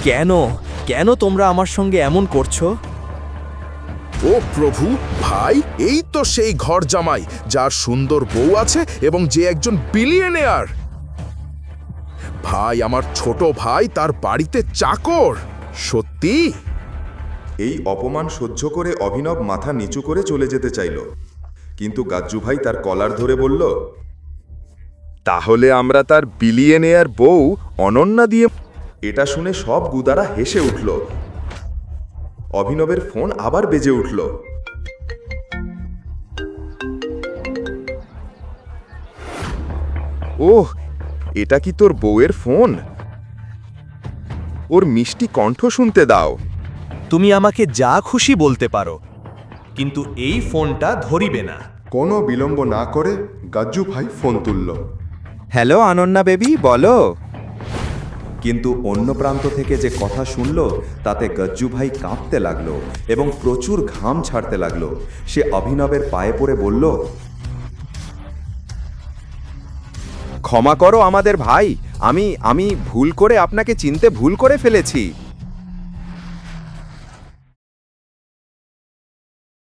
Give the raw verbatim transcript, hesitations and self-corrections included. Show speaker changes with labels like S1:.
S1: কেন কেন তোমরা আমার সঙ্গে এমন করছো?
S2: ও প্রভু, ভাই, এই তো সেই ঘর জামাই যার সুন্দর বউ আছে এবং যে একজন বিলিয়নিয়ার। ভাই, আমার ছোট ভাই তার বাড়িতে চাকর। সত্যি?
S3: এই অপমান সহ্য করে অভিনব মাথা নিচু করে চলে যেতে চাইল, কিন্তু গাজ্জু ভাই তার কলার ধরে বলল, তাহলে আমরা তার বিলিয়নিয়ার বউ অনন্যা দিয়ে। এটা শুনে সব গুদারা হেসে উঠল। অভিনবের ফোন আবার বেজে উঠল। ওহ, এটা কি তোর বউয়ের ফোন? ওর মিষ্টি কণ্ঠ শুনতে দাও।
S1: তুমি আমাকে যা খুশি বলতে পারো, কিন্তু এই ফোনটা ধরিবে না।
S3: কোনো বিলম্ব না করে গাজ্জু ভাই ফোন তুলল।
S4: হ্যালো অনন্যা বেবি, বলো। কিন্তু অন্য প্রান্ত থেকে যে কথা শুনল তাতে গজ্জু ভাই কাঁপতে লাগলো এবং প্রচুর ঘাম ছাড়তে লাগলো। সে অভিনবের পায়ে পড়ে বলল, ক্ষমা করো আমাদের ভাই, আমি আমি ভুল করে আপনাকে চিনতে ভুল করে ফেলেছি।